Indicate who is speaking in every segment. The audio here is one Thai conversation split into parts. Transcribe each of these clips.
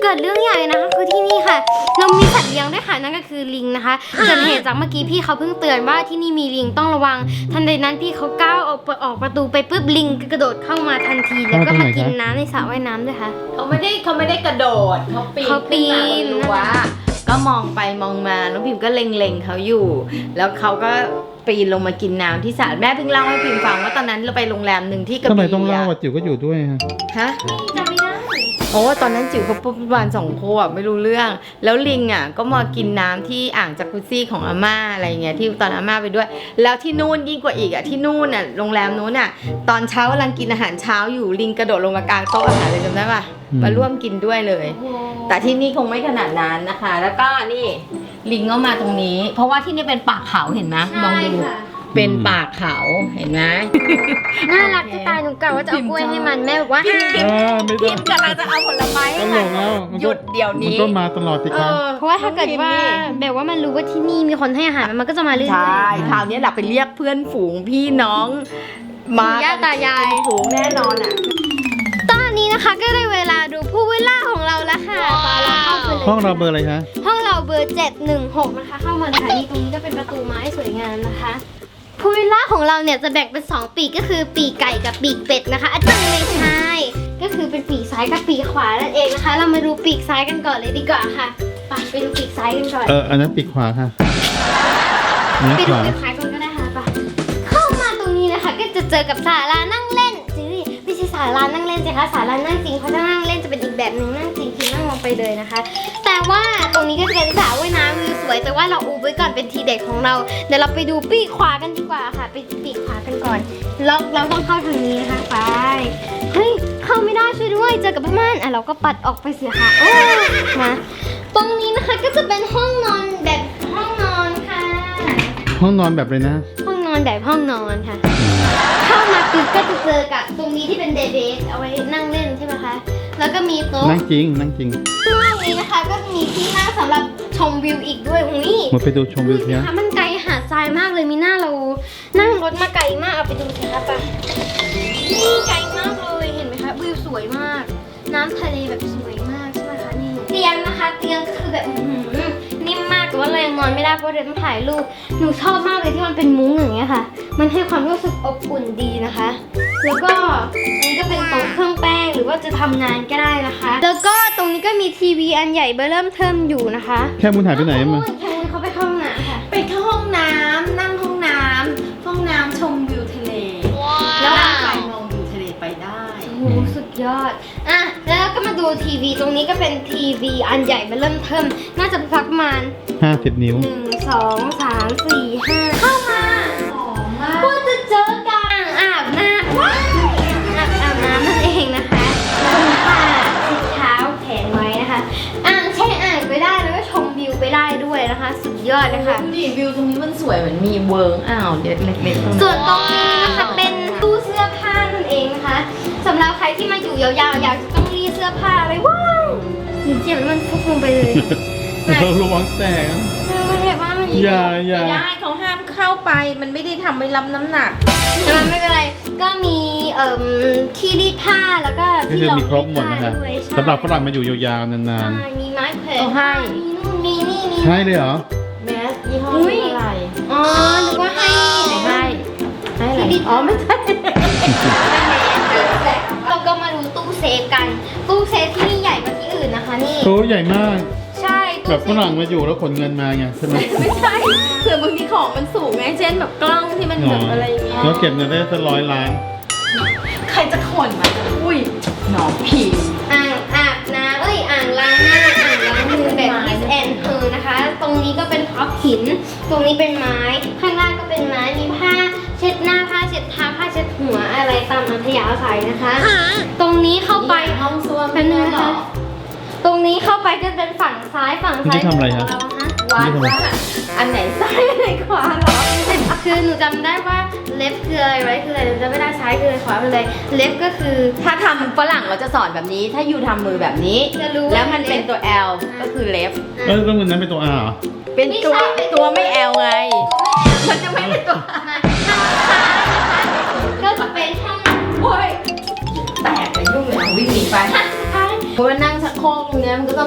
Speaker 1: เกิดเรื่องใหญ่นะคะคือที่นี่ค่ะเรามีสัตว์เลี้ยงด้วยค่ะนั่นก็คือลิงนะคะเกิดเหตุจากเมื่อกี้พี่เขาเพิ่งเตือนว่าที่นี่มีลิงต้องระวังทันใดนั้นพี่เขาก้าวออกประตูไปปุ๊บลิงกระโดดเข้ามาทันทีแล้วก็มากินน้ำในสระว่ายน้ำด้วยค่ะ
Speaker 2: เขาไม่ได้กระโดดเขาปีนขึ้นมาบนรั้วก็มองไปมองมาน้องพิมก็เล็งเขาอยู่แล้วเขาก็ปีนลงมากินน้ำที่สระแม่เพิ่งเล่าให้พิมฟังว่าตอนนั้นเราไปโรงแรมหนึ่งที่กระบี่
Speaker 3: ทำไมต้องเล่าว่าจิ๋วก็อยู่ด้วยฮะ
Speaker 1: จำไม่ได้
Speaker 2: โอ้ตอนนั้นจิ๋วเขาประมาณ2 ขวบไม่รู้เรื่องแล้วลิงอ่ะก็มากินน้ำที่อ่างจักรุซี่ของอาม่าอะไรเงี้ยที่ตอนอาม่าไปด้วยแล้วที่นู่นยิ่งกว่าอีกอ่ะที่นู่นอ่ะโรงแรมนู้นอ่ะตอนเช้ากำลังกินอาหารเช้าอยู่ลิงกระโดดลงมากลางโต๊ะอาหารเลยจำได้ปะมาร่วมกินด้วยเลย แต่ที่นี่คงไม่ขนาดนั้นนะคะ แล้วก็นี่ลิงก็มาตรงนี้ เพราะว่าที่นี่เป็นป่าเขาเห็นไหมมองดูเป็นป่าเขาเห็นไหม
Speaker 1: น่ารักจะตายหนูกะว่าจะเอากล้วยให้มันแม่บอกว่าห้าม
Speaker 3: ไม่
Speaker 2: พิ
Speaker 3: ต้อง
Speaker 2: มกำลังจะเอาผลไม้
Speaker 3: ต
Speaker 2: ให้
Speaker 3: ล
Speaker 2: มัน
Speaker 3: กแล้ว
Speaker 2: หยุดเดี๋ยว
Speaker 3: มัน
Speaker 2: นี้
Speaker 3: ก็มาตลอดสิครับ
Speaker 1: เพราะว่าถ้าเกิดว่าแบบว่ามันรู้ว่าที่นี่มีคนให้อาหารมันก็จะมาเรื่อยๆ
Speaker 2: ใช่คราวนี้เราไปเรียกเพื่อนฝูงพี่น้องมา
Speaker 1: ย่าตายาย
Speaker 2: ฝูงแน่นอนอ่ะ
Speaker 1: ตอนนี้นะคะก็ได้เวลาดูผู้วิลล่าของเราแล้วค่ะไปเราเข้าไปเลย
Speaker 3: ห้องเราเบอร์อะไรคะ
Speaker 1: ห้องเราเบอร์716นะคะเข้ามาเลยค่ะนี่ตรงนี้ก็เป็นประตูไม้สวยงามนะคะผู้วิลล่าของเราเนี่ยจะแบ่งเป็น2ปีกก็คือปีกไก่กับปีกเป็ดนะคะอาจารย์ไม่ใช่ก็คือเป็นปีกซ้ายกับปีกขวานั่นเองนะคะ เรามาดูปีกซ้ายกันก่อนเลยดีกว่าค่ะไปดูปีกซ้ายกันก่อน
Speaker 3: อันนั้นปีกขวาค่ะอันนี้
Speaker 1: ไป
Speaker 3: ข
Speaker 1: ดู
Speaker 3: วา
Speaker 1: ปีกซ้ายก่อนก็ได้ค่ะไปเข้ามาตรงนี้นะคะก็จะเจอกับศาลานั่งเล่นจื้อไม่ใช่ศาลานั่งเล่นสิคะศาลานั่งจริงเพราะถ้านั่งเล่นจะเป็นอีกแบบหนึ่งนั่งจริงคือนั่งลงไปเลยนะคะ แต่ว่าตรงนี้ก็จะเป็นสระว่ายน้ำวิวสวยแต่ว่าเราอูไว้ก่อนเป็นทีเด็ดของเราเดี๋ยวเราไปดูปีกขวากันดีกว่าค่ะไปปีกขวากันก่อนเราต้องเข้าทางนี้นะคะไปเฮ้ยเข้าไม่ได้ช่วยด้วยเจอกับม่านเราก็ปัดออกไปเสียค่ะโอ้มาตรงนี้นะคะก็จะเป็นห้องนอนแบบห้องนอนค่ะ
Speaker 3: ห้องนอนแบบเลยนะ
Speaker 1: ห้องนอนแบบห้องนอนค่ะ เข้ามาปุ๊บก็จะเจอกับตรงนี้ที่เป็นเดเบสเอาไว้นั่งเล่นใช่ไหมคะ แล้วก็มีโต๊ะ
Speaker 3: นั่งจริงนั่งจริง
Speaker 1: ข้างล่างนี้นะคะก็มีที่นั่งสำหรับชมวิวอีกด้วยอุ้ย
Speaker 3: มาไปดูชมวิว
Speaker 1: ดู
Speaker 3: เที
Speaker 1: สิ
Speaker 3: ย
Speaker 1: คะมันไกลหาดทรายมากเลยมีหน้าเรานั่งรถมาไกลมากเอาไปดูสิคะไปนี่ไกลมากเลยเห็นไหมคะวิวสวยมาก น้ำทะเลแบบสวยมากใช่ไหมคะนี่เตียงนะคะเตียงก็คือแบบนิ่มมากแต่ว่าเรายังนอนไม่ได้เพราะเดี๋ยวต้องถ่ายรูปหนูชอบมากเลยที่มันเป็นมุ้งอย่างเงี้ยค่ะ มันให้ความรู้สึกอบอุ่นดีนะคะ แล้วก็อันนี้ก็เป็นโต๊ะเครื่องแป้งหรือว่าจะทำงานก็ได้นะคะ แล้วก็ตรงนี้ก็มีทีวีอันใหญ่เบอร์เริ่มเทิมอยู่นะคะ
Speaker 3: แค่มุนหายไปไหนมา
Speaker 1: แค่นี้เขาไปเข้าห้องน้ำค่ะ
Speaker 2: ไปเข้าห้องน้ำนั่งห้องน้ำชมวิวทะเลแล้วถ่ายมองวิวทะเลไปได้
Speaker 1: โอ้โหสุดยอดอ่ะแล้วก็มาดูทีวีตรงนี้ก็เป็นทีวีอันใหญ่เบอร์เริ่มเทิมน่าจะประมาณ
Speaker 3: 50 นิ้ว
Speaker 1: 1 2 3 4 5เข้ามาก็จะเจอกับอ่างอาบน้ำว้ายอาบน้ำนั่นเองนะคะคุณป้าติดเท้าแขนไว้นะคะอ่างแช่อ่างไปได้แล้วก็ชมวิวไปได้ด้วยนะคะ สุดยอดเลยค่ะ
Speaker 2: ดูดิวิวตรงนี้มันสวยเหมือนมีเวิร์กอ้าวเล็กๆ
Speaker 1: ส่วนตรงนี้นะคะเป็นตู้เสื้อผ้านั่นเองนะคะสำหรับใครที่มาอยู่ยาวๆอยากจะต้องรีดเสื้อผ้าอะไรว้าวหนูเจ็บแล้วมันฟุบลงไปเลย
Speaker 3: เราระวังแตก
Speaker 1: มันแบบว่ามัน
Speaker 3: อย่า
Speaker 2: ไม่ได้เขาห้ามเข้าไปมันไม่ได้ทำไว้รับน้ำหนัก
Speaker 1: แต่มันไม่เป็นไรก็มีที่รีดผ้าแล้วก็
Speaker 3: ก็
Speaker 1: ที่
Speaker 3: คือ
Speaker 1: รอง
Speaker 3: มีครบหมด
Speaker 1: รี
Speaker 3: นะ
Speaker 1: ผ้า
Speaker 3: คะ
Speaker 1: ด้วยใช่
Speaker 3: สำหรับฝรั่งมาอยู่ยาวๆนาน
Speaker 1: ใช่มีไม้แขวน
Speaker 2: เอาให้
Speaker 1: มีนู่นมีนี่มี
Speaker 3: ๆใช่เลยเหรอ
Speaker 2: แมสยี่ห้อ
Speaker 1: อุ๊ย
Speaker 2: อะไร
Speaker 1: อ๋อนึกว่าให้
Speaker 2: ให้อะไรอ๋อไม่ใช่
Speaker 1: เราก็มาดูตู้เซฟกันตู้เซฟที่นี่ใหญ่กว่าที่อื่นนะคะนี่
Speaker 3: โอ้ใหญ่มาก
Speaker 1: ใช่ตู้
Speaker 3: แบบ
Speaker 1: เซ
Speaker 3: ฝ
Speaker 1: ฟ
Speaker 3: รั่งมาอยู่แล้วขนเงินมาไงใช่ไหม
Speaker 2: ไม่ใช่เผื่อบางทีของมันสูงไงเช่นแบบกล้องที่มันแบบอะไรอย่างเงี้ย
Speaker 3: แล้วเก็บเงินได้สัก100 ล้าน
Speaker 2: ใครจะขนมาอุ้ยหนอผี
Speaker 1: อ่างอาบน้ำอ่างล้างหน้าอ่างล้างมือแบบ Miss and Her นะคะ ตรงนี้ก็เป็นท็อปหิน ตรงนี้เป็นไม้ ข้างล่างก็เป็นไม้ มีผ้าเช็ดหน้าผ้าเช็ดเท้าผ้าเช็ดหัวอะไรตามอัธยาศัยนะคะ ตรงนี้เข้าไป
Speaker 2: ห้องส้วม
Speaker 1: เป็นนึงนะคะ ตรงนี้เข้าไปก็เป็นฝั่งซ้ายฝั่งซ้าย
Speaker 3: นี่ทำอะไรฮะ
Speaker 1: ของเราฮะ
Speaker 2: วัดว่าอันไหนซ้ายอันไหนขวาเหรอ
Speaker 1: คือหนูจำได้ว่าเล็บคืออะไรไว้คืออะไรหนูจำไม่ได้ซ้ายคืออะไรขวาคืออะไรเล็บก็คือ
Speaker 2: ถ้าทำฝรั่งเราจะสอนแบบนี้ ถ้ายูทำมือแบบนี้
Speaker 1: จะรู้
Speaker 2: แล้วมันเป็นตัว L ก็คือ left
Speaker 3: แล้วเงินนั้นเป็นตัว R เหรอ
Speaker 2: เป็นตัว
Speaker 1: ไม่ใช่เป็น
Speaker 2: ตัวไม่ L ไง มันจะไม่เป็นตัว
Speaker 1: มาทางซ้ายนะคะก็จะเป็นห้อง
Speaker 2: โอ้ยแตกเลยยุ่งเลยวิ่งหนีไป
Speaker 1: ทางซ้าย
Speaker 2: เพราะว่านั่งชักโครกตรงเนี้ยมันก็ต้อง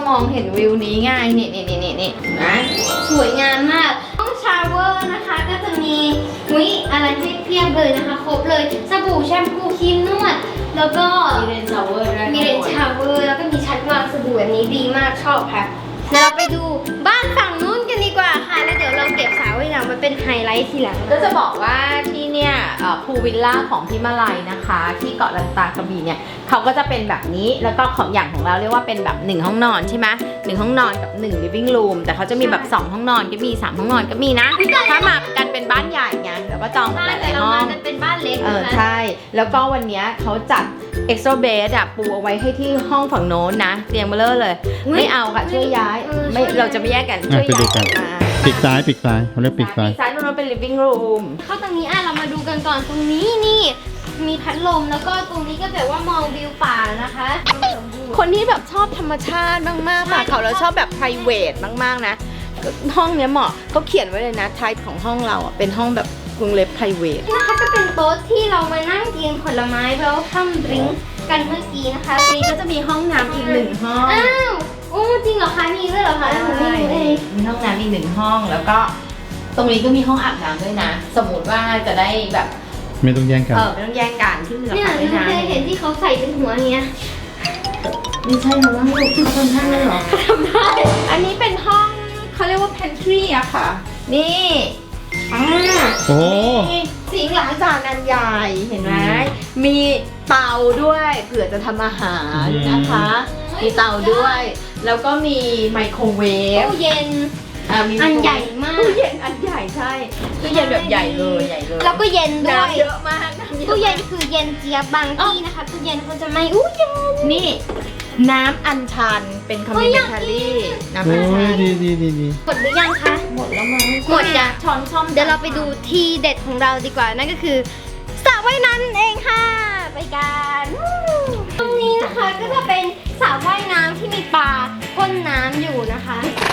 Speaker 2: มองเห็นวิวนี้ไงนี่นะ
Speaker 1: สวยงามมากห้องชาวเวอร์นะคะก็จะมีอะไรให้เพียบเลยนะคะครบเลยสบู่แชมพูครีมนวดแล้วก็
Speaker 2: มีเรนชาวเวอร์ด้วย
Speaker 1: มีเลนชาวเวอร์แล้วก็มีชั้นวางสบู่แบบนี้ดีมากชอบค่ะเดี๋ยวเราไปดูบ้านฝั่งนู้นกันดีกว่าค่ะแล้วเดี๋ยวเราเก็บสาวไว้หลังมาเป็นไฮไลท์ทีหลัง
Speaker 2: ก็จะบอกว่าที่เนี่ยพูลวิลล่าของพิมาลัยนะคะ ที่เกาะลันตากระบี่เนี่ยเขาก็จะเป็นแบบนี้แล้วก็ของอย่างของเราเรียกว่าเป็นแบบ1ห้องนอนใช่ไหม1ห้องนอนกับ1 living room แต่เขาจะมีแบบ2ห้องนอนก็มี3ห้องนอนก็มีนะถ้ามากันเป็นบ้านใหญ่ไงแล้วก็จองห
Speaker 1: บ้าน
Speaker 2: ลาย
Speaker 1: แต่
Speaker 2: ๆ
Speaker 1: เรา
Speaker 2: ห้อ
Speaker 1: มาง กันเป็นบ้านเล็กนะคะ
Speaker 2: ใช่ แล้วก็วันเนี้ยเขาจัด extra bed อะปูเอาไว้ให้ที่ห้องฝั่งโน้นนะเตียงเบลเลอร์เลย ไม่เอาค่ะช่วยย้ายไม่เราจะไม่แยกกันช่วย
Speaker 3: ไปดู
Speaker 2: ย้าย
Speaker 3: กัน
Speaker 2: มา
Speaker 3: ปีกซ้ายเขาเรียกปีกซ้าย
Speaker 2: ซ้ายตรงนั้นเป็น living room
Speaker 1: เข้าตรงนี้เรามาดูกันก่อนตรงนี้นี่มีพัดลมแล้วก็ตรงนี้ก็แบบว่ามองวิวป่านะคะ
Speaker 2: คนที่แบบชอบธรรมชาติมากๆป่ะเขาแล้วชอบแบบ private มากๆนะห้องเนี้ยเหมาะเขาเขียนไว้เลยนะ type ของห้องเราอ่ะเป็นห้องแบบกรุงเล็บ private
Speaker 1: นี่นะคะก็เป็นโต๊ะที่เรามานั่งกินผลไม้แล้วทำดริงก์กันเมื่อกี้นะคะ
Speaker 2: นี่ก็จะมีห้องน้ำอีก1ห้อง
Speaker 1: อ้าวโอ้จริงเหรอคะมีด้วยเหรอคะหนูไม่รู้เอง
Speaker 2: มีห้องน้ำอีก1ห้องแล้วก็ตรงนี้ก็มีห้องอาบน้ำด้วยนะ สมมติว่าจะได้แบบ
Speaker 3: ไม่ต้องแย่งกัน
Speaker 2: ไม่ต้องแย่งกันที่เหลือ
Speaker 1: เนี่ย
Speaker 2: อาบ
Speaker 1: หนู
Speaker 2: น้ำ
Speaker 1: เคยเห็นที่เขาใส่เป็นหัวเนี้ย
Speaker 2: ไม่ใช่หรอว่าลูกที่คนท่านเลยเหรอ
Speaker 1: ทำได้
Speaker 2: อันนี้เป็นห้องเขาเรียกว่า pantry อะค่ะ นี่
Speaker 3: โอ้
Speaker 2: มีสิงค์ล้างจานอันใหญ่เห็นไหมมีเตาด้วยเผื่อจะทำอาหารนะคะ มีเตาด้วย แล้วก็มีไมโครเวฟ
Speaker 1: ตู้เย็น
Speaker 2: มี
Speaker 1: อันใหญ่มาก
Speaker 2: ตู้เย็นอันใหญ่ใช่ตู้เย็นแบบใหญ่เลยใหญ่เลย
Speaker 1: แล้วก็เย็นด้วย
Speaker 2: น้ำเยอะมากน้ำเยอะ
Speaker 1: ตู้เย็นคือเย็นเจี๊ยบบางที่นะคะตู้เย็นเขาจะไม่เย็น
Speaker 2: นี่ น้ำอัญชันเป็นคอม
Speaker 1: เฮ้
Speaker 2: มิ
Speaker 1: ย
Speaker 2: เม
Speaker 1: อยาก
Speaker 2: นทา
Speaker 1: กิ
Speaker 2: รี่
Speaker 1: น
Speaker 2: น้ำ
Speaker 3: โอ้
Speaker 2: อัญชั
Speaker 3: ย
Speaker 2: น
Speaker 3: ดี
Speaker 1: หมดหรือยังคะ
Speaker 2: หมดแล้วมั้ง
Speaker 1: หมดจ้ะ
Speaker 2: ช้อนซ่อม
Speaker 1: เดี๋ยวเราไปดูทีเด็ดของเราดีกว่านั่นก็คือสระว่ายน้ำนั่นเองค่ะ ไปกันตรงนี้นะคะก็จะเป็นสระว่ายน้ำที่มีปลาพ่นน้ำอยู่นะคะ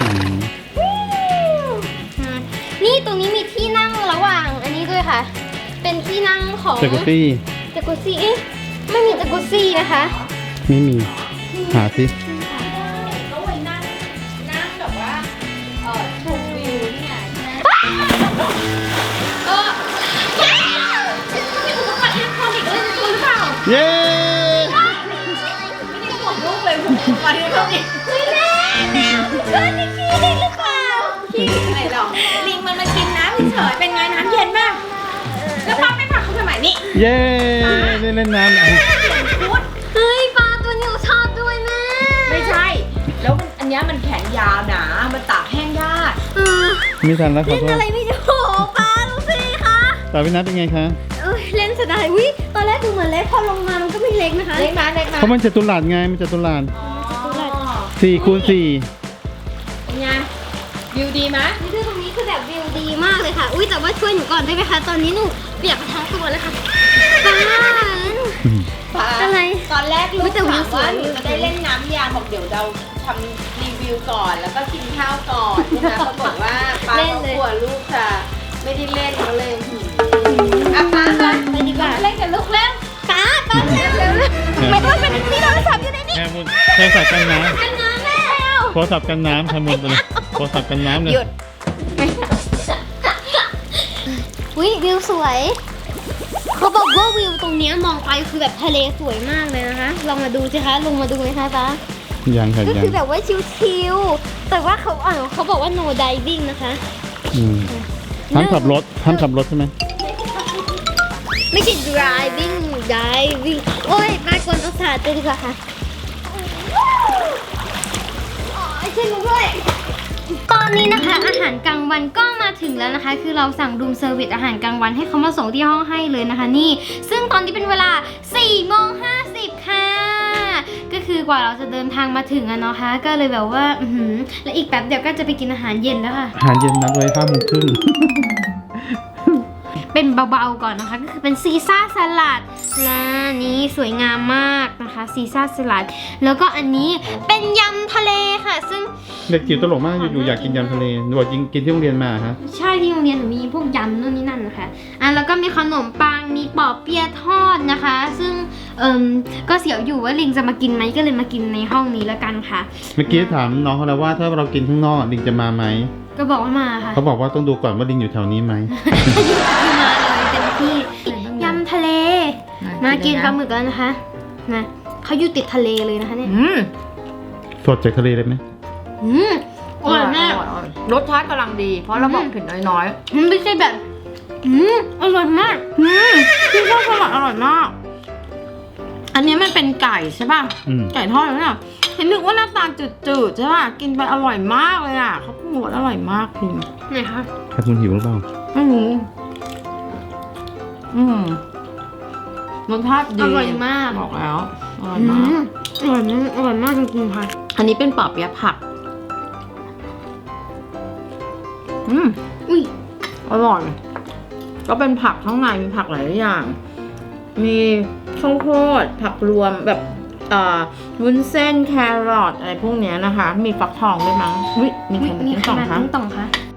Speaker 1: นี่ตรงนี้มีที่นั่งระหว่างอันนี้ด้วยค่ะ เป็นที่นั่งของ
Speaker 3: จากุซี่
Speaker 1: จากุซี่เอ๊ะไม่มีจากุซี่นะคะ
Speaker 3: ไม่มี หาสิ
Speaker 2: ก็ไว้นั่งแบบว่าชมวิวนี่ไง
Speaker 3: เย้
Speaker 2: ไม่ได้ห่วงลูกเลยห่วงวันนี้เขาอีก
Speaker 1: เพื่อนที่ขี้ลิงหรือเปล่า
Speaker 2: ขี้อะไรหรอกลิงมันมากินน้ำเฉยๆเป็นไงน้ำเย็นมากแล้วป้าไม่พาเขาทำไมนี่
Speaker 3: เย้ได้เล่นน้ำอ่ะ
Speaker 2: พูด
Speaker 1: เฮ้ยปลาตัวนี้หนูชอบด้วยแม่
Speaker 2: ไม่ใช่ แล้วมันอันเนี้ยมันแขนยาวหนามันตากแห้งยาก
Speaker 1: เออ
Speaker 3: ไม่ทันแล้วขอ
Speaker 1: เล่น
Speaker 3: โทษ
Speaker 1: อะไรไม่รู้โอ้โหปลาดูสิคะ
Speaker 3: ตาวินัทเป็นไงคะ
Speaker 1: เอ้ยเล่นเสยดายวิตอนแรกดูเหมือนเล็กพอลงมามันก็ไม่เล็กนะคะ
Speaker 2: เล็กมาเล็กมา
Speaker 3: เพราะมันจะตุลาดไงมันจะตุลาด
Speaker 2: อ๋อ
Speaker 3: 4 คูณ 4
Speaker 2: เป็นไงวิวดีไหม
Speaker 1: นี่คือตรงนี้คือแบบวิวดีมากเลยค่ะ อุ้ยแต่ว่าช่วยหนูก่อนได้ไหมคะ ตอนนี้หนูเปียกทั้งตัวเลยค่ะปลา
Speaker 2: ป้า
Speaker 1: อะไร
Speaker 2: ตอนแรกลู
Speaker 1: อุ๊
Speaker 2: ก
Speaker 1: ยแต่วิ
Speaker 2: ถาว ม
Speaker 1: สว
Speaker 2: ว่าย หนูจะได้เล่นน้ำยางบอกเดี๋ยวเราทำรีวิวก่อนแล้วก็กินข้าวก่อนใช่ไหมปรากฏว่าป้าเขากลัวลูกจะไม่ได้เล่นก็เลยอ่ะป้ามา
Speaker 1: ไปดีกว่า
Speaker 2: เล่นกับลูกแล้ว
Speaker 1: ปลาเร็วไม่ต้องเป็นที่โทรศัพท์อยู่ในนี้
Speaker 3: แค่มุนโทรศัพท์กันน้
Speaker 1: กันน้ำแม่
Speaker 3: ำโทรศัพท์กันน้ำแค่มุนไปเลยโทรศัพท์กันน้ำเลย
Speaker 2: หยุด
Speaker 1: อุ้ยวิวสวยเขาบอกว่าวิวตรงเนี้ยมองไปคือแบบทะเลสวยมากเลยนะคะ ลองมาดูสิคะลงมาดูไหมคะป้า
Speaker 3: ยังค่ะ
Speaker 1: ก็
Speaker 3: ยัง
Speaker 1: คือแบบว่าชิลๆแต่ว่าเขาบอกว่า no diving นะคะ
Speaker 3: ห้ามขับรถใช่ไหม
Speaker 1: ไม่ใช่ diving โอ้ยมากวนประสาทเลยดีกว่าค่ะอ๋อช่วยหนูด้วยตอนนี้นะคะอาหารกลางวันก็มาถึงแล้วนะคะ คือเราสั่งรูมเซอร์วิสอาหารกลางวันให้เขามาส่งที่ห้องให้เลยนะคะนี่ ซึ่งตอนนี้เป็นเวลา 4:50 ค่ะ ก็คือกว่าเราจะเดินทางมาถึงอะเนาะคะก็เลยแบบว่าและอีกแป๊บเดียวก็จะไปกินอาหารเย็นแล้วค่ะ
Speaker 3: อาหารเย็นนัดไว้5 โมงครึ่ง
Speaker 1: เป็นเบาๆก่อนนะคะก็คือเป็นซีซ่าสลัดและนี้สวยงามมากนะคะซีซ่าสลัดแล้วก็อันนี้เป็นยำทะเลค่ะ ซึ่ง
Speaker 3: เด็กจิ๋วตลกมากอยู่ๆอยากกินยำทะเลหนูบอกกินที่โรงเรียนมาฮะ
Speaker 1: ใช่ที่โรงเรียนหนูมีพวกยำนู่นนี่นั่นนะคะแล้วก็มีขนมปังมีปอเปี๊ยะทอดนะคะ ซึ่งก็เสียวอยู่ว่าลิงจะมากินไหมก็เลยมากินในห้องนี้แล้วกันค่ะ
Speaker 3: เมื่อกี้ถามน้องเขาแล้วว่าถ้าเรากินข้างนอกลิงจะมาไหม
Speaker 1: ก็บอกว่ามาค่ะ
Speaker 3: เขาบอกว่าต้องดูก่อนว่าลิงอยู่แถวนี้ไหม
Speaker 1: มาเลยเต็มที่ยำทะเล มากินปลาหมึกแล้วนะคะนะเขาอยู่ติดทะเลเลยนะคะเนี่ย
Speaker 3: สดจากทะเลเลยไหม
Speaker 1: อร่อยมาก
Speaker 2: รสชาติกำลังดี เพราะเราบอกเผ็ดน้อย
Speaker 1: มันไม่ใช่แบบอร่อยมาก
Speaker 2: พี่ชอบสลัดอร่อยมาก อันนี้มันเป็นไก่ใช่ป่ะ ไก่ทอดแล้วเนี่ยเห็นนึกว่าหน้าตาจืดๆใช่ป่ะ กินไปอร่อยมากเลยอ่ะเขาปรุงรสอร่อยมากคุณ
Speaker 1: ไหนคะ
Speaker 3: ถ้าคุณหิวหรือเปล่า
Speaker 2: ไม่รู้รสชาติดี
Speaker 1: อร่อยมาก
Speaker 2: บอกแล้วอร่อยมาก
Speaker 1: อร่อยมากอร่อยมากจริงๆค่ะ
Speaker 2: อันนี้เป็นปอเปี๊ยะผัก
Speaker 1: อุ้ย
Speaker 2: อร่อย ก็เป็นผักข้างในมีผักหลายอย่าง มีข้าวโพดผักรวมแบบวุ้นเส้นแครอทอะไรพวกเนี้ยนะคะ มีฟักทองด้วยมั้งอุ๊ยมีไข่
Speaker 1: มี
Speaker 2: มิ้น
Speaker 1: ไข่
Speaker 2: ต่อง
Speaker 1: มัน
Speaker 2: คะ
Speaker 1: ต้องต่องคะ